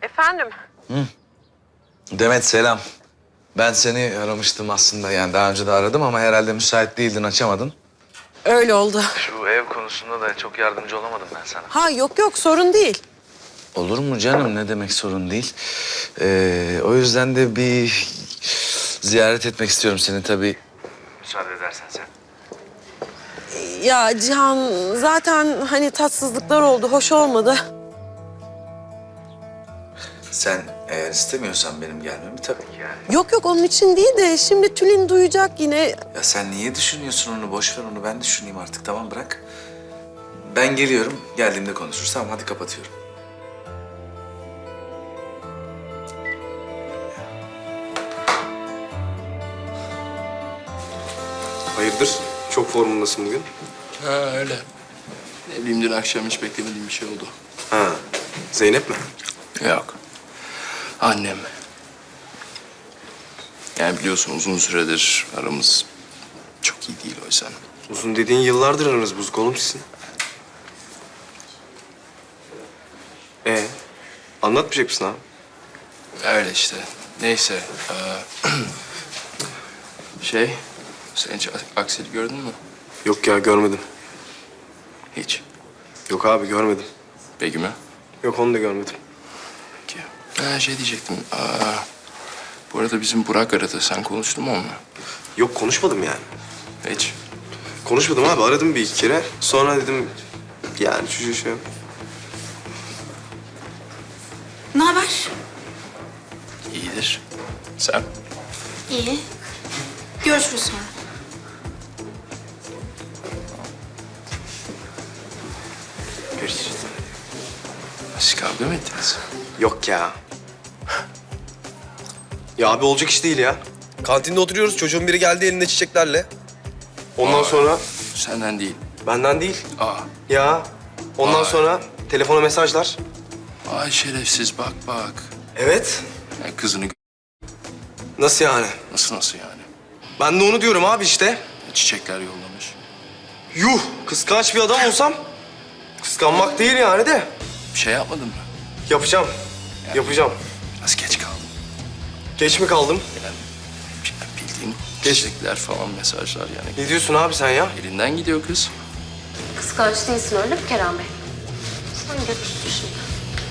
Efendim? Demet selam. Ben seni aramıştım aslında, yani daha önce de aradım ama herhalde müsait değildin, açamadın. Öyle oldu. Şu ev konusunda da çok yardımcı olamadım ben sana. Ha yok sorun değil. Olur mu canım, ne demek sorun değil. O yüzden de bir ziyaret etmek istiyorum seni tabii. Müsaade edersen sen. Ya Cihan zaten hani tatsızlıklar oldu, hoş olmadı. Sen eğer istemiyorsan benim gelmemi tabii ki yani. Yok onun için değil de şimdi Tülin duyacak yine. Ya sen niye düşünüyorsun onu? Boş ver onu, ben düşüneyim artık, tamam bırak. Ben geliyorum, geldiğimde konuşuruz. Tamam hadi kapatıyorum. Hayırdır? Çok formundasın bugün. Ha öyle. Ne bileyim dün akşam hiç beklemediğim bir şey oldu. Ha, Zeynep mi? Yok. Annem. Yani biliyorsun uzun süredir aramız çok iyi değil o yüzden. Uzun dediğin yıllardır aranız bozuk oğlum sizin. Anlatmayacak mısın abi? Öyle işte. Neyse. Sen hiç Aksel'i gördün mü? Yok ya görmedim. Hiç. Yok abi görmedim. Begüm'ü? Yok onu da görmedim. Peki. Diyecektim. Bu arada bizim Burak aradı. Sen konuştun mu onunla? Yok konuşmadım yani. Hiç. Konuşmadım abi aradım bir iki kere. Sonra dedim yani şu şey. Ne haber? İyidir. Sen? İyi. Görüşürüz sonra. Görüşürüz. Siz kavga mı ettiniz? Yok ya. Ya abi olacak iş değil ya. Kantinde oturuyoruz çocuğun biri geldi elinde çiçeklerle. Ondan sonra Senden değil. benden değil. Aa. Ya ondan Vay. sonra telefona mesajlar. Ay şerefsiz bak. Evet. Ya kızını Nasıl yani? nasıl yani? Ben de onu diyorum abi işte. Çiçekler yollamış. Yuh! Kıskanç bir adam olsam kıskanmak değil yani de. Bir şey yapmadın mı? Yapacağım. Yapacağım. Biraz geç kaldım. Geç mi kaldım? Yani bildiğin çiçekler falan mesajlar yani. Ne diyorsun abi sen ya? Elinden gidiyor kız. Kıskanç değilsin öyle mi Kerem Bey? Sen götürsün şimdi.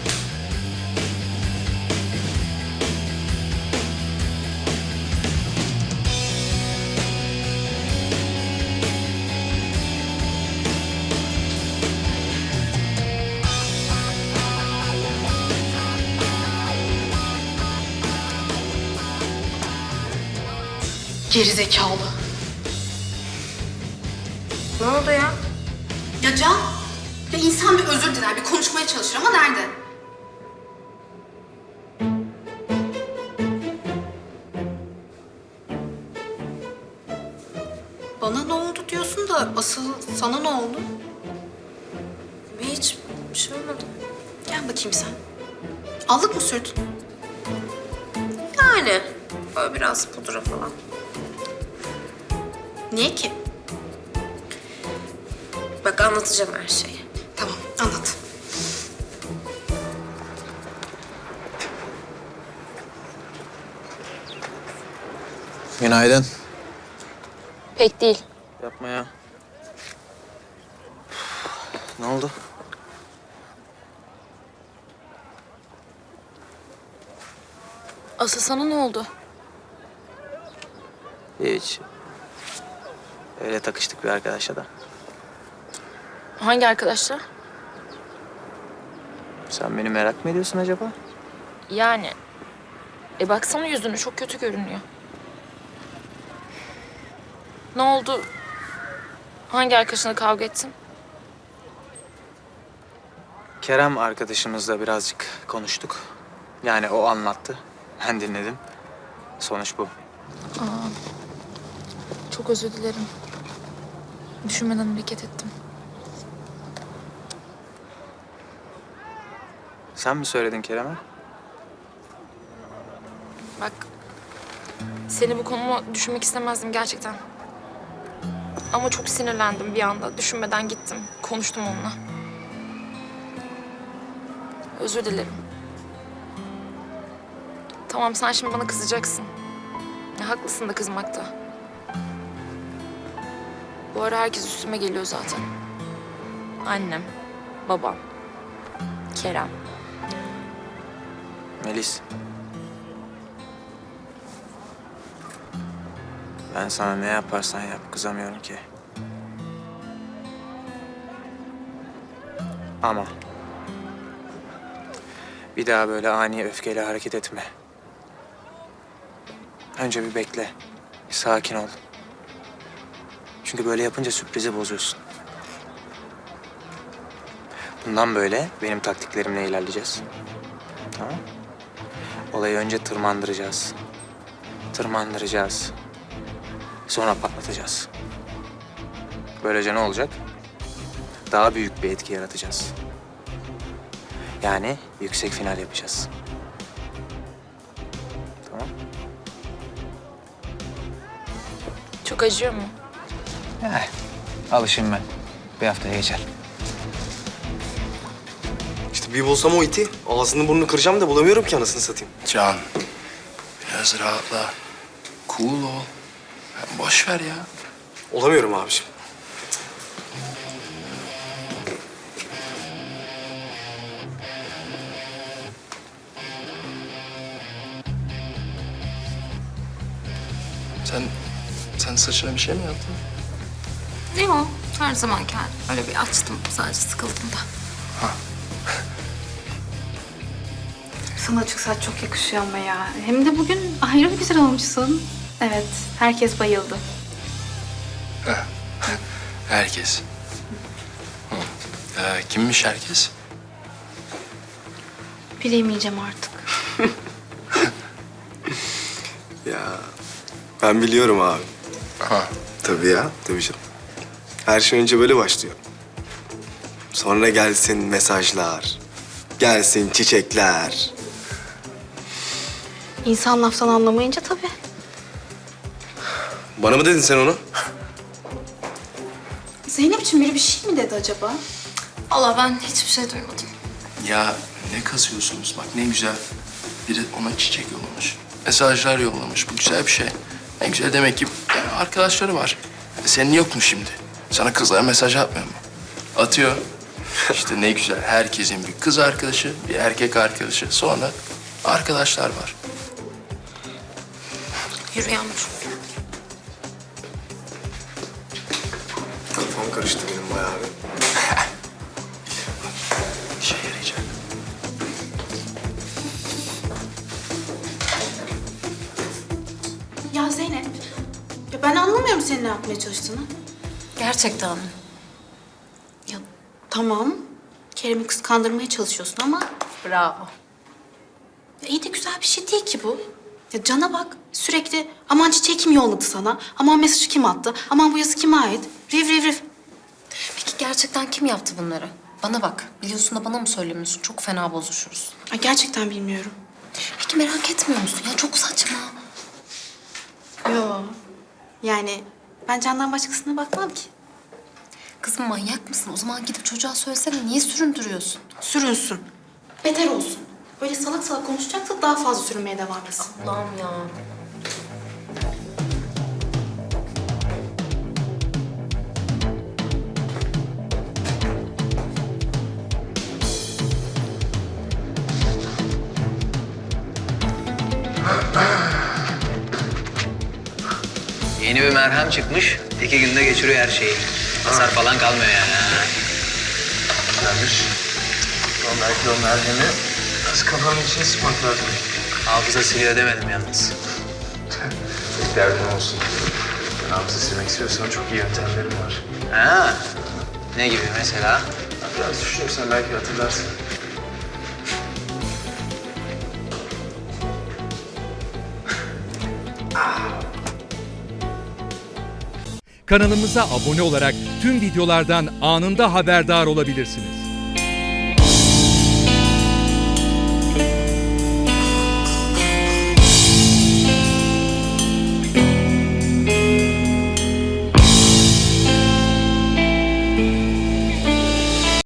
Gerizekalı. Ne oldu ya? Ya Can, ya insan bir özür diler, bir konuşmaya çalışır ama nerede? Bana ne oldu diyorsun da asıl sana ne oldu? Hiç bir şey olmadı. Gel bakayım sen. Allık mı sürdün? Yani böyle biraz pudra falan. Niye ki? Bak anlatacağım her şeyi. Tamam, anlat. Günaydın. Pek değil. Yapma ya. Ne oldu? Asıl sana ne oldu? Hiç. Öyle takıştık bir arkadaşla da. Hangi arkadaşlar? Sen beni merak mı ediyorsun acaba? Yani. Baksana yüzünü çok kötü görünüyor. Ne oldu? Hangi arkadaşına kavga ettin? Kerem arkadaşımızla birazcık konuştuk. Yani o anlattı. Ben dinledim. Sonuç bu. Çok özür dilerim. Düşünmeden hareket ettim. Sen mi söyledin Kerem'e? Bak, seni bu konuma düşünmek istemezdim gerçekten. Ama çok sinirlendim bir anda. Düşünmeden gittim. Konuştum onunla. Özür dilerim. Tamam sen şimdi bana kızacaksın. Ya, haklısın da kızmakta. Bu ara herkes üstüme geliyor zaten. Annem, babam, Kerem. Melis. Ben sana ne yaparsan yap kızamıyorum ki. Ama bir daha böyle ani öfkeyle hareket etme. Önce bir bekle. Bir sakin ol. Çünkü böyle yapınca sürprizi bozuyorsun. Bundan böyle benim taktiklerimle ilerleyeceğiz. Tamam? Olayı önce tırmandıracağız. Tırmandıracağız. Sonra patlatacağız. Böylece ne olacak? Daha büyük bir etki yaratacağız. Yani yüksek final yapacağız. Tamam? Çok acıyor mu? Alışayım ben. Bir haftaya geçer. İşte bir bulsam o iti ağzını burnunu kıracağım da bulamıyorum ki anasını satayım. Can, biraz rahatla. Cool ol. Boş ver ya. Olamıyorum abiciğim. Sen saçına bir şey mi yaptın? Yok, her zamanki halim. Öyle bir açtım, sadece sıkıldım da. Sana açık saç çok yakışıyor ama ya. Hem de bugün ayrı bir güzel olmuşsun. Evet, herkes bayıldı. Herkes. Hı. Kimmiş herkes? Bilemeyeceğim artık. Ya ben biliyorum abi. Ha. Tabii ya, tabii canım. Her şey önce böyle başlıyor. Sonra gelsin mesajlar, gelsin çiçekler. İnsan laftan anlamayınca tabii. Bana mı dedin sen onu? Zeynep'ciğim biri bir şey mi dedi acaba? Allah ben hiçbir şey duymadım. Ya ne kazıyorsunuz? Bak ne güzel. Biri ona çiçek yollamış. Mesajlar yollamış. Bu güzel bir şey. Ne güzel demek ki yani arkadaşları var. Senin yok mu şimdi? Sana kızlara mesaj atmıyor mu? Atıyor. İşte ne güzel. Herkesin bir kız arkadaşı, bir erkek arkadaşı. Sonra arkadaşlar var. Yürü Yağmur. Kafam karıştı benim bayağı bir. İşe yarayacak. Ya Zeynep, ya ben anlamıyorum senin ne yapmaya çalıştığını. Gerçekten mi? Ya tamam, Kerem'i kıskandırmaya çalışıyorsun ama... Bravo. Ya iyi de güzel bir şey değil ki bu. Ya Can'a bak, sürekli aman çiçeği kim yolladı sana, aman mesajı kim attı, aman bu yazı kime ait, riv riv riv. Peki gerçekten kim yaptı bunları? Bana bak. Biliyorsun da bana mı söylemiyorsun? Çok fena bozuşuruz. Ay gerçekten bilmiyorum. Peki merak etmiyor musun? Ya çok saçma. Yo, yani ben Can'dan başkasına bakmam ki. Kızım manyak mısın? O zaman gidip çocuğa söylesene. Niye süründürüyorsun? Sürünsün, beter olsun. Böyle salak salak konuşacaksa daha fazla sürünmeye devam etsin. Allah'ım ya. Yeni bir merhem çıkmış. 2 günde geçiriyor her şeyi. Hasar falan kalmıyor yani. Güzelmiş. Ama belki o merhemi az kafanın içine sıkmak lazım. Hafıza siliyor demedim yalnız. Tek derdin olsun. Hafıza silmek istiyorsan çok iyi yöntemlerim var. Ha? Ne gibi mesela? Biraz düşünürsen belki hatırlarsın. Kanalımıza abone olarak tüm videolardan anında haberdar olabilirsiniz.